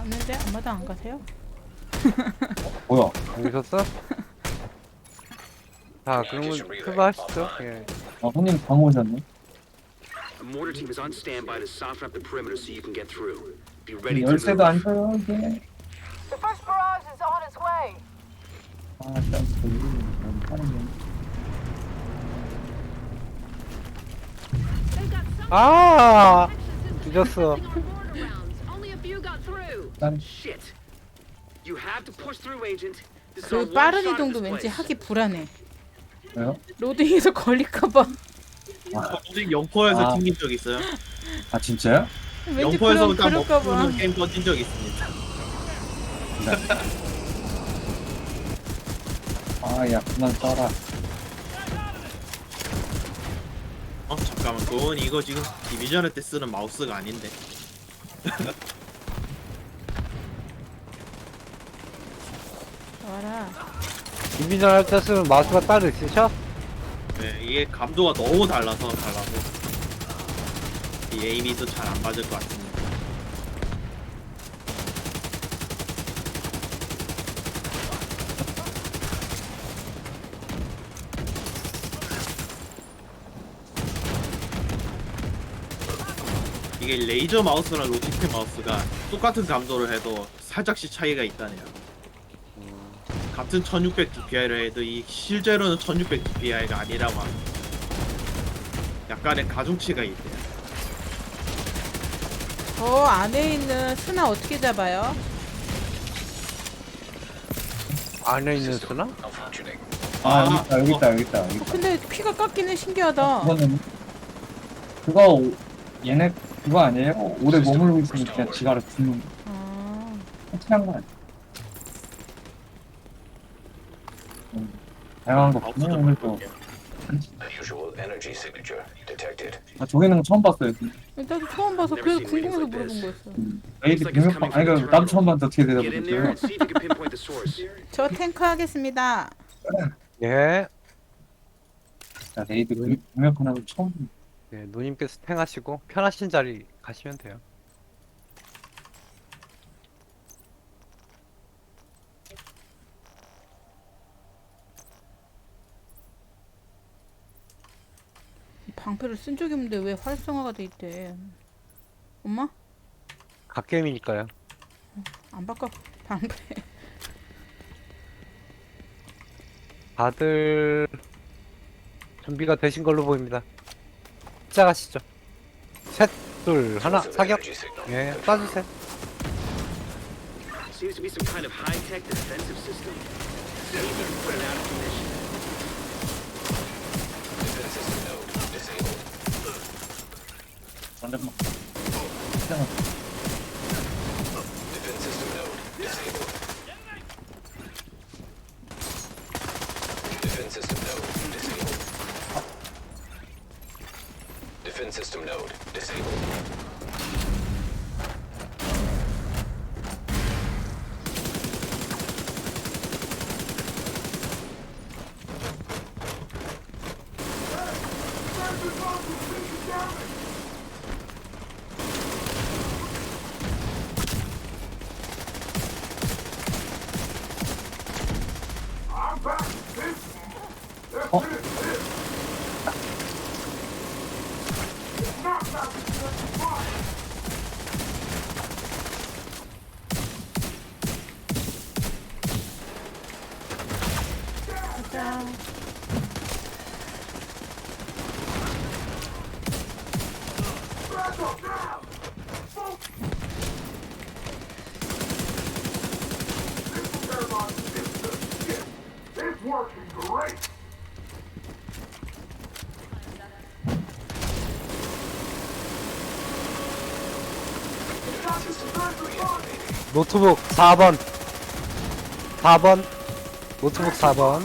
있는데 아마도 안 가세요? 뭐야? 안 계셨어? 자, 그러면 출발하시죠. 예. 아, 손님 방 오셨네? A mortar team is on standby to soften up the perimeter so you can get through. Be ready to 열쇠도 안 move. 줘요, 이게. The first barrage is on its way. 아, 일단 여기 하는 게. 아, 늦었어. 일단 Shit. You have to push through, Agent. This is 그 our one 빠른 shot at 이동도 this 왠지 place. 하기 불안해. 왜요? 로딩에서 걸릴까봐. 혹시 영포에서 아. 튕긴 적 있어요? 아, 진짜요? 왠지 영포에서 딱 그럴까봐. 먹고는 게임 꺼진 적 있습니다. 아, 야, 그만 써라. 잠깐만, 그건 이거 지금 디비전할 때 쓰는 마우스가 아닌데. 와라. 인비전 할 때 쓰면 마우스가 따로 있으셔? 네, 이게 감도가 너무 달라서 이 에이미도 잘 안 맞을 것 같습니다. 이게 레이저 마우스랑 로지텍 마우스가 똑같은 감도를 해도 살짝씩 차이가 있다네요. 같은 1600 DPI를 해도 이 실제로는 1600 DPI가 아니라고 합니다. 약간의 가중치가 있대요. 저 안에 있는 스나 어떻게 잡아요? 안에 있는 수나? 아, 여기 있다, 여기 있다, 여기 있다. 근데 피가 깎이는 신기하다. 그거는, 얘네, 그거 아니에요? 오래 머물고 있으니까 지가를 죽는, 아, 확실한 거 아니야? 다양한 거 보네, 오늘 또. Unusual energy signature detected. 아, 저기는 거 처음 봤어요. 나도 처음 봐서 그래서 궁금해서 물어본 거였어. 레이드 병력방, 아니, 그, 나도 처음 봤는데 어떻게 Get in there 대답을 and see if you can pinpoint the source. 저 탱크 하겠습니다. 예. 자, 레이드 병력 하나도 처음 봤는데. 예, 누님께서 탱하시고 편하신 자리 가시면 돼요. 방패를 쓴 적이 없는데 왜 활성화가 돼 있대? 엄마? 갓게임이니까요. 안 바꿔 방패. 다들 준비가 되신 걸로 보입니다. 시작하시죠. 셋, 둘, 하나, Source of 사격. energy signal. 예, 쏴주세요. Seems to be some kind of high-tech defensive system. See if you can put it out of commission. Defense system node disabled. 완전 막, Defense system node disabled. Defense system node disabled. Defense system node disabled. 가자. 노트북 4번. 4번. 노트북 4번.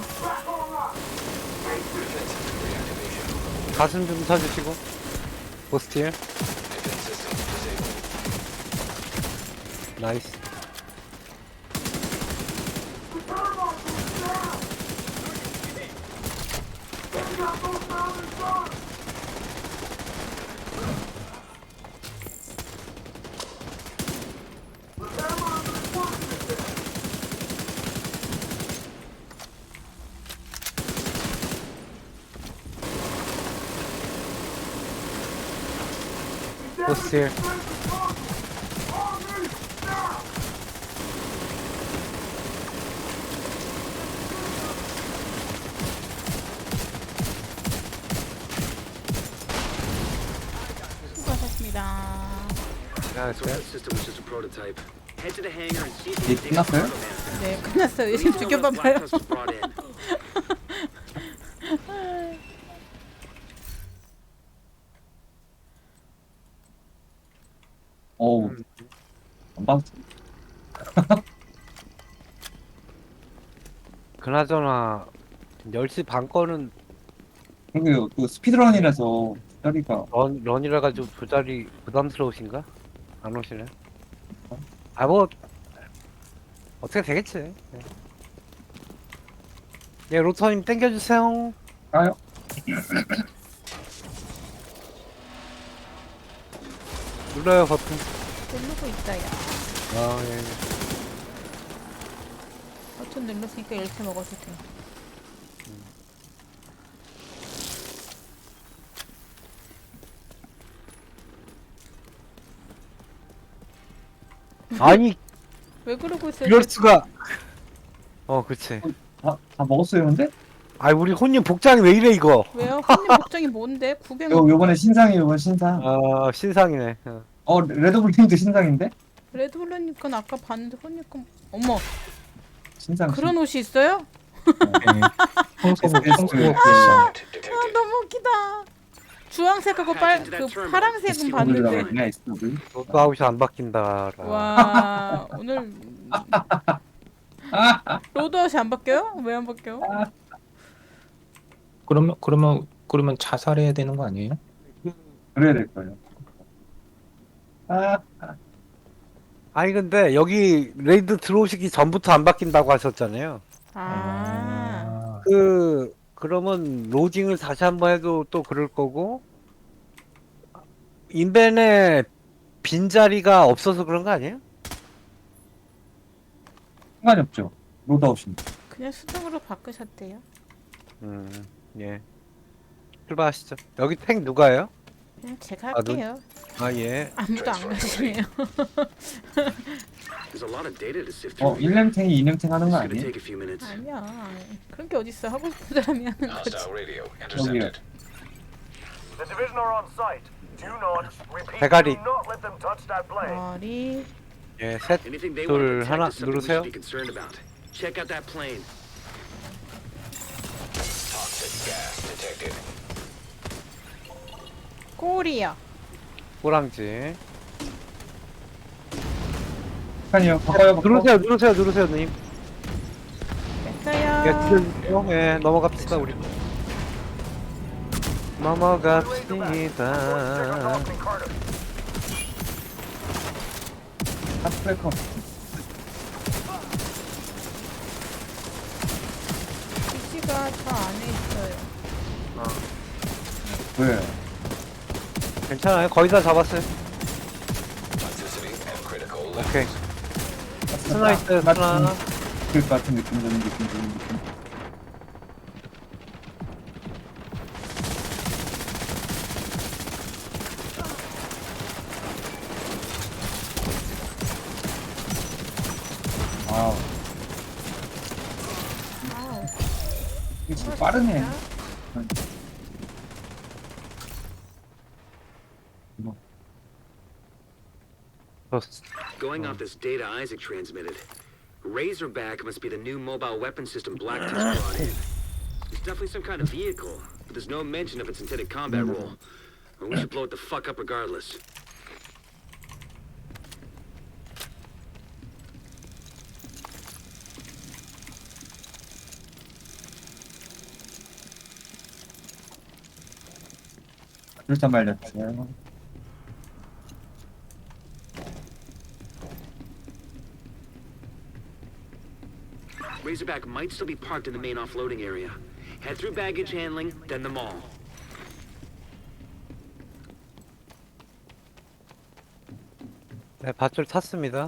가슴 좀 쳐주시고. 보스틸. 나이스. 호스틸. 수고하셨습니다. So that system was just a prototype. Head to the hangar and see if 예, you can dig up 끝났어요? cargo manifest. 네, 끝났어요. 이제 Let me know when the 죽여봐봐요. black dust is brought in. 어우. 안 봤어. 그나저나 10시 반 거는 그리고 또 스피드런이라서 자리가 런이라 가지고 조달이 부담스러우신가? 안 오시네. 아 뭐 어떻게 되겠지. 네. 예, 로터님 땡겨주세요. 까요? 눌러요 버튼. 누르고 있어요. 아 예. 버튼 눌렀으니까 이렇게 먹어도 돼. 아니 왜 그러고 있어요? 이럴 수가. 그치. 다 먹었어요, 근데? 아 우리 혼님 복장이 왜 이래 이거. 왜요? 손님 복장이 뭔데? 구경. 요번에 신상이에요, 요번 신상. 아 신상이네. 레드불링도 신상인데? 레드블루님 건 아까 봤는데 손님 건 어머 신상. 그런 옷이 있어요? 청소부. 아 너무 웃기다. 주황색하고 그 파랑색은 봤는데. 그냥 에스토블. 로또 아웃이 안 바뀐다. 와 오늘 로드아웃이 안 바뀌어요? 왜 안 바뀌어? 그러면 자살해야 되는 거 아니에요? 그래야 될 거예요. 아니 근데 여기 레이드 들어오시기 전부터 안 바뀐다고 하셨잖아요. 아 그러면 로딩을 다시 한번 해도 또 그럴 거고 인벤에 빈자리가 없어서 그런 거 아니에요? 상관이 없죠. 로드아웃인데. 그냥 수동으로 바꾸셨대요. 예. 출발하시죠. 여기 탱 누가요? 그냥 제가 아, 눈- 할게요. 아 예. 아무도 안 가시네요. There's a lot of data to sift through. 1렘탱이 2렘탱 하는 거 It's gonna 아니에요? take a few minutes. 아니야. 그런 게 어딨어. 하고 싶은 사람이 하는 거지. Hostile radio 여기요. intercepted. The division are on site. Do not repeat. 대가리. Do not let them touch that plane. 머리. 예, 셋. Anything they 둘, want to 하나, protect is something we 누르세요. should be concerned about. Check out that plane. Toxic gas detected. 꼬리요. 꼬랑지. 아니요, 바꿔요, 바꿔. 누르세요, 누님. 예, 됐어요. 들려주세요. 예, 넘어갑시다, 우리. 넘어갑시다. Opening Carter. 핫브레이커. 기지가 저 안에 있어요. 왜? 괜찮아요. 거의 다 잡았어요. Toxicity and critical levels. 오케이. 스나 있어요, 스나. 그 같은 느낌 드는 느낌. 와우. 아우. 이게 진짜 빠르네. Going off this data Isaac transmitted, Razorback must be the new mobile weapon system Black Tusk brought in. It's definitely some kind of vehicle, but there's no mention of its intended combat role. Or we should blow it the fuck up regardless. 일단 말렸어요. Razorback might still be parked in the main offloading area. Head through baggage handling, then the mall. 네, 밧줄 탔습니다.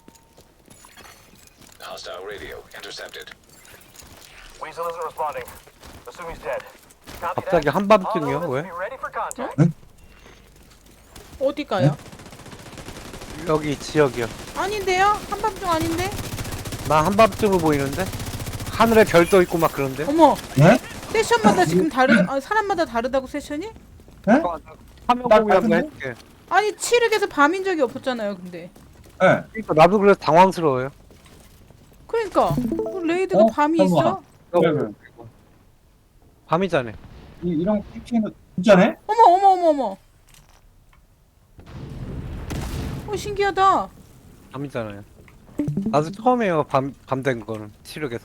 Hostile radio intercepted. Weasel isn't responding. Assume he's dead. Copy 갑자기 that. 한밤중이요? All 왜? units be ready for contact. 어디가요? 여기 지역이요. 아닌데요? 한밤중 아닌데? 나 한밤중으로 보이는데? 하늘에 별 떠 있고 막 그런데? 어머, 네? 세션마다 지금 사람마다 다르다고 세션이? 네? 화면 나 보기 한번 같은데? 해줄게. 아니 칠흑에서 밤인 적이 없었잖아요. 근데 네. 그러니까 나도 그래서 당황스러워요. 그러니까 뭐 레이드가 어? 밤이 잠깐만. 있어? 그래, 그래. 밤이잖아. 이런 PP는 진짜네? 어머 어머 어머 어머. 신기하다. 밤이잖아요. 나도 처음이에요. 밤 된 거는 칠흑에서.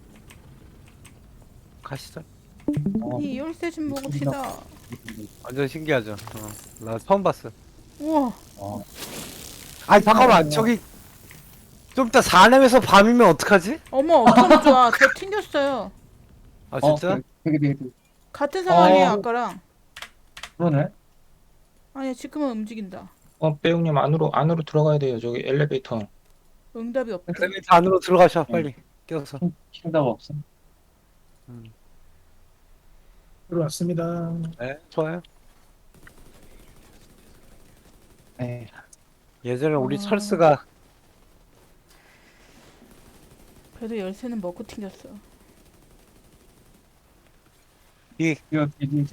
가시죠. 이 열쇠 좀 먹읍시다. 완전 신기하죠. 나 처음 봤어. 우와. 어. 아니 잠깐만 저기 좀 이따 사nem에서 밤이면 어떡하지? 어머 어쩌면 좋아. 저 튕겼어요. 아 진짜? 되게 같은 상황이에요 어. 아까랑. 그러네. 아니야 지금은 움직인다. 빼용님 안으로 들어가야 돼요. 저기 엘리베이터. 응답이 없대. 엘리베이터 안으로 들어가셔 빨리. 껴서. 킹다가 없어. 들어왔습니다. 네 좋아요. 에이, 예전에 우리 철수가 그래도 열쇠는 먹고 튕겼어. 이 이거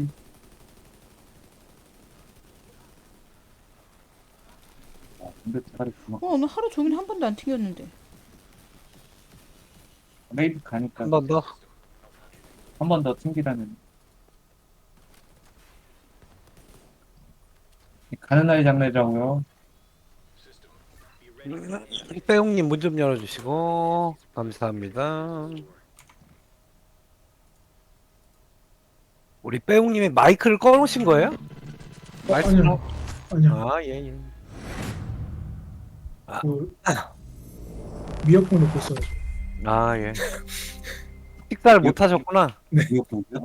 근데 대가리 구멍. 오늘 하루 종일 한 번도 안 튕겼는데. 레이드 가니까 한 번 더. 한 번 더 튕기라는. 가는 날이 장날이라고요. 빼용님 문 좀 열어주시고 감사합니다. 우리 빼용님이 마이크를 꺼놓으신 거예요? 말씀으로? 아니요. 아 예. 그 미역국 넣고 있어가지고. 아 예. 식사를 못 하셨구나. 이거 보고요.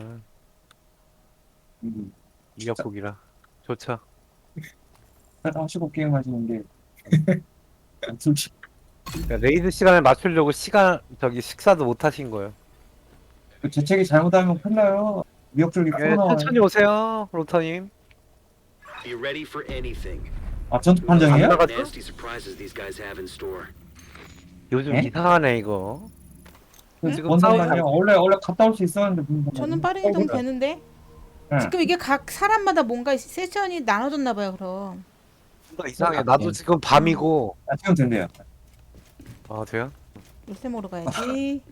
미역국이라 좋죠. 하시고 게임 하시는 게 솔직히 그러니까 레이드 시간에 맞추려고 식사도 못 하신 거예요. 그 재채기 잘못하면 큰일 나요. 미역줄기 예, 코너. 천천히 오세요, 로터님. Be ready for anything. 아 전투 판정이에요? 안 나가- Nasty surprises these guys have in store. 요즘 네? 이상하네 이거. 지금 뭔 싸우지 상관이야? 원래 갔다 올 수 있었는데 무슨 상관이야? 저는 빠른 이동 되는데. 네. 지금 이게 각 사람마다 뭔가 세션이 나눠졌나 봐요. 그럼. 뭔가 이상해. 나도 지금 밤이고. 아, 지금 된대요. 아 돼요? 열쇠 먹으러 가야지.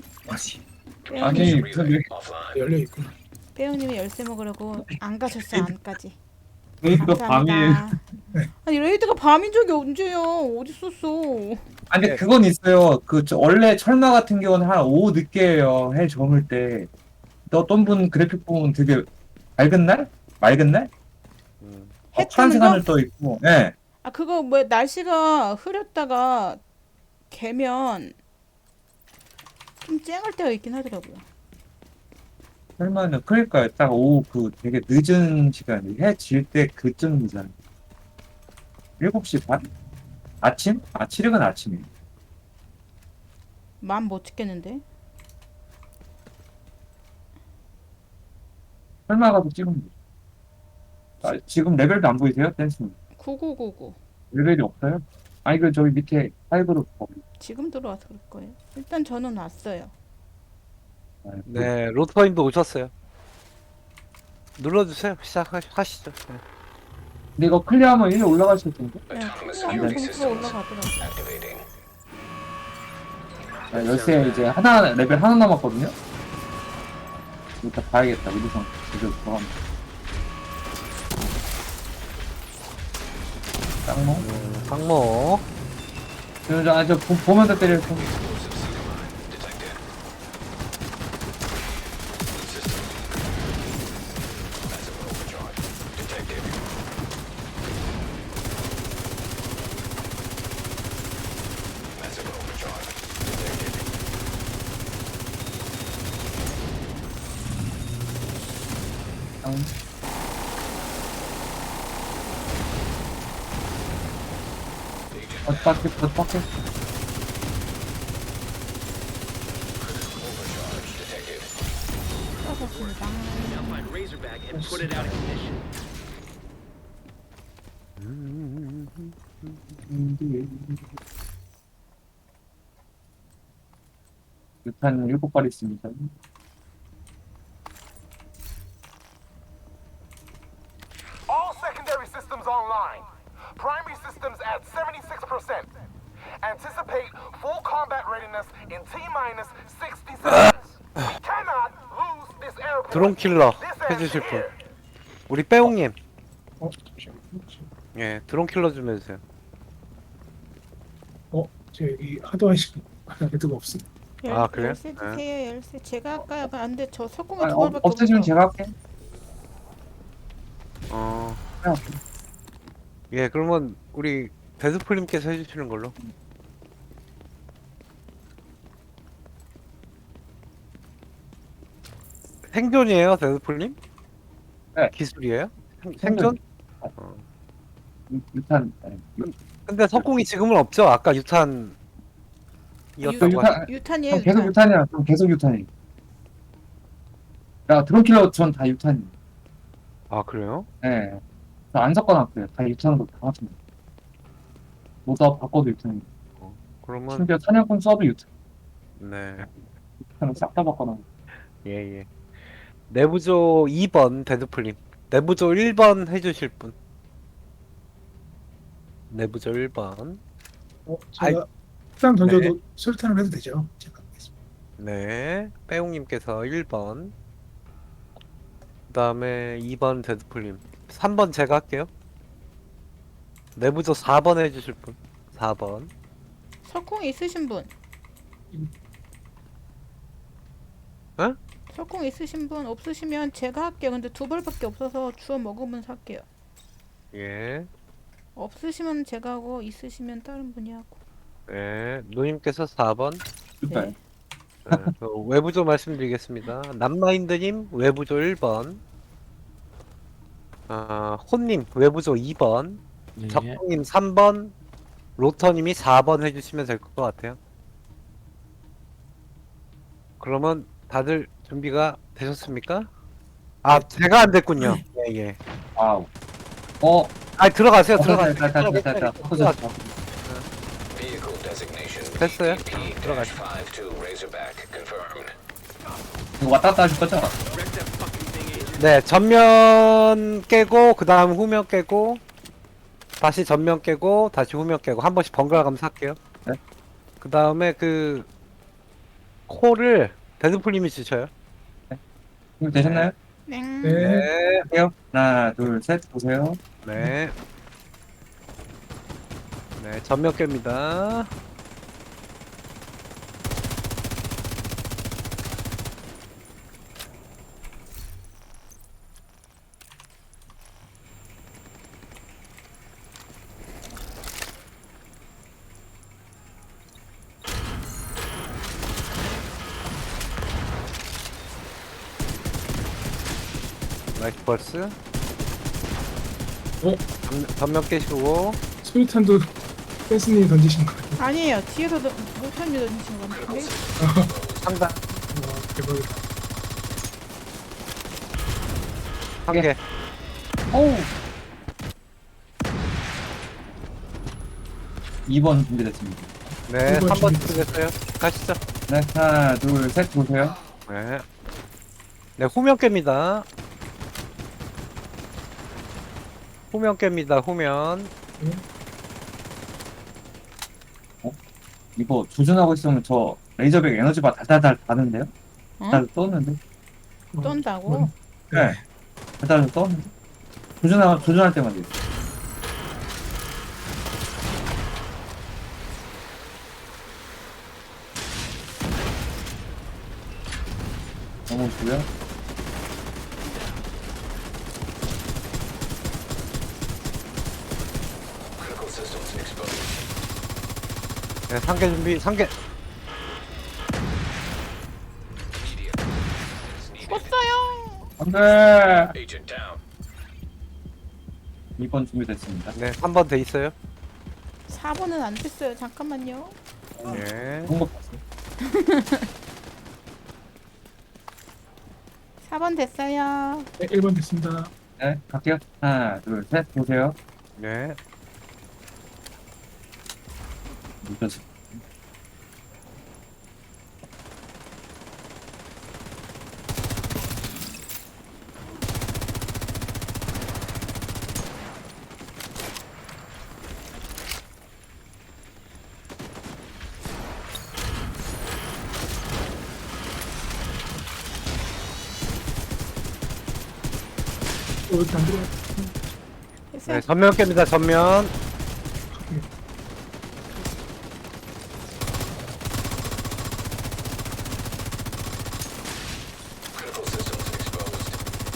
아니 그 Offline. 열려 있구나. 빼용님이 열쇠 먹으려고 안 가셨어요 안까지. 레이드가 밤이에요. 아니 레이드가 밤인 적이 언제요? 어디 있었어? 아니 근데 그건 있어요. 원래 철마 같은 경우는 한 오후 늦게예요. 해 저물 때. 어떤 분 그래픽 보면 되게 맑은 날? 맑은 날? 해 파란색 뜨는 거? 하늘 떠 있고. 예. 아 그거 뭐 날씨가 흐렸다가 개면 좀 쨍할 때가 있긴 하더라고요. 설마는 그러니까요. 딱 오후 되게 늦은 시간이 해 질 때 그쯤이잖아요. 7시 반? 아침? 아 7일은 아침이에요. 마음 못 찍겠는데? 설마 가서 찍으면 돼요. 아, 지금 레벨도 안 보이세요? 댄스는 9999 레벨이 없어요? 아니 저기 밑에 파이브로 지금 들어와서 그럴 거예요. 일단 저는 왔어요. 네, 로터님도 오셨어요. 눌러주세요. 시작하시죠. 네. 근데 이거 클리어하면 1위 올라가실 텐데. Autonomous 한번 security 점수가 systems 올라가더라고. activating. 자, 열쇠 이제 레벨 하나 남았거든요. 일단 봐야겠다. 우리선 제대로 들어가면. 짱모. 항모. 저 보면서 때릴 좀. Detected. System. Massive overcharge. Detected. Massive overcharge. Detected. 짱. 어떻게 Overcharge detected. 수고하셨습니다. Now find Razorback and put it out of commission. 유탄 7발 있습니다. All secondary systems online. Primary systems at 76%. Anticipate full combat readiness in T-minus 60 seconds. We cannot lose this airport. 드론 킬러 This ends 해주실 분. here. 우리 빼옹님. 잠시만요. 예, 드론 킬러 좀 해주세요. 저 여기 하드와이시 레드가 없어. 아, 그래요? 열쇠 주세요. 열쇠. 제가 할까요? 안돼. 저 석궁이 아, 두 발밖에 없으시면 없어. 제가 할게. 그냥 예, 그러면 우리 데스풀님께서 해주시는 걸로. 생존이에요, 데스풀님? 네. 기술이에요? 생존? 유탄. 네. 근데 석궁이 지금은 없죠? 아까 유탄이었다고 유탄- 유탄이에요. 계속 유탄. 유탄이야. 그럼 계속 유탄이. 야, 드론킬러 전 다 유탄이. 아, 그래요? 네. 저안 섞어놨어요. 다 유탄으로 다 맞습니다. 모두 바꿔도 유탄이. 그러면 심지어 사냥꾼 써도 유탄. 네. 유탄을 싹 다 바꿔놔. 예, 예. 내부조 2번 데드풀님. 내부조 1번 해주실 분. 내부조 1번. 제가 일단 던져도 설탕을 해도 되죠? 제가 하겠습니다. 네. 빼용님께서 1번. 그 다음에 2번 데드풀님. 3번 제가 할게요. 내부조 4번 해주실 분. 4번. 석궁 있으신 분. 어? 석궁 있으신 분 없으시면 제가 할게요. 근데 두 발밖에 없어서 주워 먹으면 살게요. 예. 없으시면 제가 하고 있으시면 다른 분이 하고. 예. 누님께서 4번. 유탄. 네. 그 외부조 말씀드리겠습니다. 남마인드님 외부조 1번. 혼님 외부조 2번. 적동님 3번. 로터님이 4번 해주시면 될 것 같아요. 그러면 다들 준비가 되셨습니까? 아, 제가 안 됐군요. 예, 예. 아우. 들어가세요, 됐다, 들어가세요. 됐다, 됐다. 바꿔줬어. Vehicle designation 됐어요. BP-52 Razorback confirmed. 이거 왔다 갔다 하실 거죠? 네, 전면 깨고, 그 다음 후면 깨고, 다시 전면 깨고, 다시 후면 깨고, 한 번씩 번갈아 가면서 할게요. 네. 그 다음에 그, 콜을 데드풀님이 주셔요. 준비되셨나요? 네. 네. 할게요. 하나, 둘, 셋. 보세요. 네. 네, 전면 깹니다. 나이스 벌스. 전면 깨시고. 스위탄도 댄스님이 던지신 거 같아요. 아니에요. 뒤에서도 못합니다. 던지신 거 같은데. 상단. 대박이다. 한 개. 오! 2번 준비됐습니다. 네, 이번 3번 준비 준비됐어요. 가시죠. 네, 하나, 둘, 셋. 보세요. 네. 네, 후면 깹니다. 후면 깹니다, 후면. 이거 조준하고 있으면 저 레이저백 에너지바 달달달 가는데요? 어? 달달 떴는데? 떤다고? 네. 달달 떴는데? 조준할 때만 돼요. 넘어오시고요. Critical systems exposed. 네, 3개 준비, 3개. Immediate assistance needed. 껐어요. 안 돼! Agent down. 2번 준비됐습니다. 네, 3번 돼 있어요. 4번은 안 됐어요. 잠깐만요. 네. 그런 거 봤어요. 4번 됐어요. 네, 1번 됐습니다. 네, 갈게요. 하나, 둘, 셋. 보세요. 네. 늦어서. 이렇게 안 들어. 됐어요. 네, 전면 깹니다. 전면. Critical systems exposed.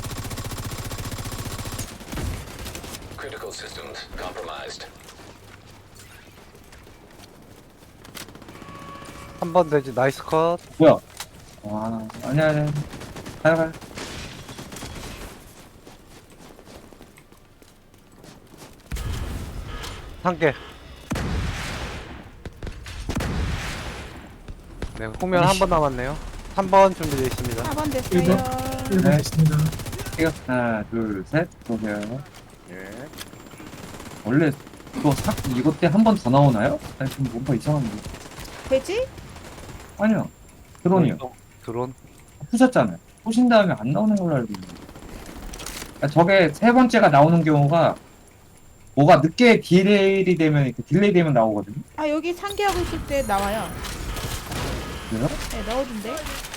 Critical systems compromised. 한 번 되지. 나이스 컷. 뭐야? 와, 아니야. 가요. 한 개. 네, 후면 한 번 남았네요. 한 번 준비되어 있습니다. 4번 됐어요. 1번 네. 있습니다. 이거 하나, 둘, 셋. 보세요. 예. 원래 이거 때 한 번 더 나오나요? 아니, 좀 뭔가 이상한데. 되지? 아니요. 드론이요. 드론. 푸셨잖아요. 푸신 다음에 안 나오는 걸로 알고 있는데. 그러니까 저게 세 번째가 나오는 경우가 뭐가 늦게 딜레이 되면 이렇게 딜레이 되면 나오거든요. 아 여기 상기하고 있을 때 나와요. 그래요? 네 나오던데.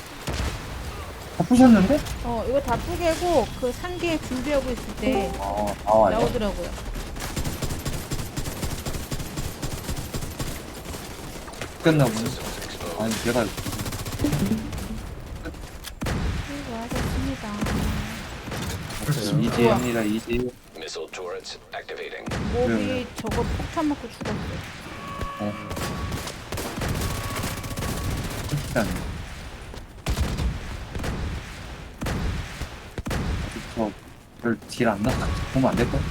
다 푸셨는데? 이거 다 뿌개고 그 상기에 준비하고 있을 때 나와요. 나오더라고요. 끝나 보네. Systems exposed. 아니, 내가 수고하셨습니다. 이지입니다. 이지. Missile turrets activating. 몹이 저거 폭탄 맞고 죽었어. 일단 저별딜안 나가. 보면 안 될까?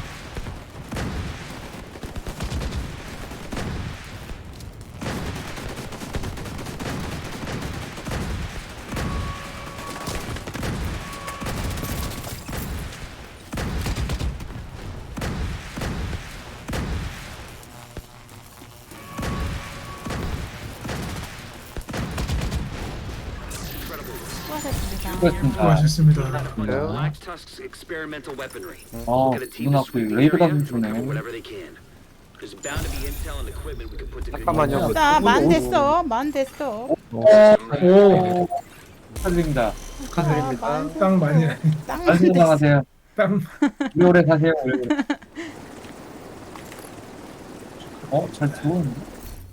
수고하셨습니다. 수고하셨습니다. 수고하셨습니다. Black Tusk's experimental weaponry. 어, We're gonna team 누나 this 그 with the 레이드가 area and 좀 recover 주네. whatever they can. There's bound to be intel and equipment we can put to good 잠깐만요. use. 나만 됐어. 만 됐어. 오, 축하드립니다. 축하드립니다. 땅 많이 땅 잘 됐어. 건강하세요. 땅 오래 사세요. 오래. 잘 들어오는데?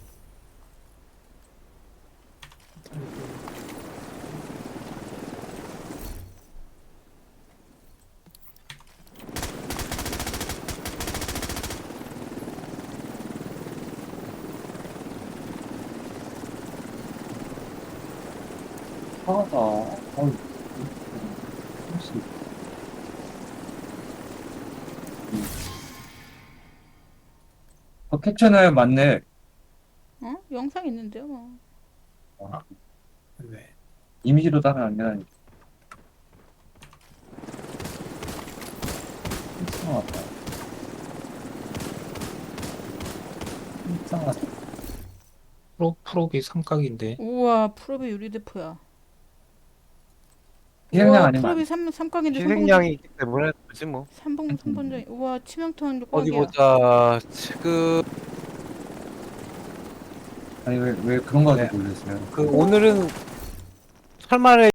하다. 혹시. 캡처나요? 맞네. 영상 있는데요. 뭐. 네. 이미지로 따라 안 되다니. 이상하다. 이상하다. 프로비 삼각인데. 우와 프로비 유리대포야. 희생양 우와 아니면 프로비 삼각인데 희생양이 있기 때문에 그지 뭐. 3번전. 우와 치명타운 어디 꽉이야. 보자. 지금 아니 왜 그런 거 네. 가지고 놀랐어요? 그 오늘은 설말에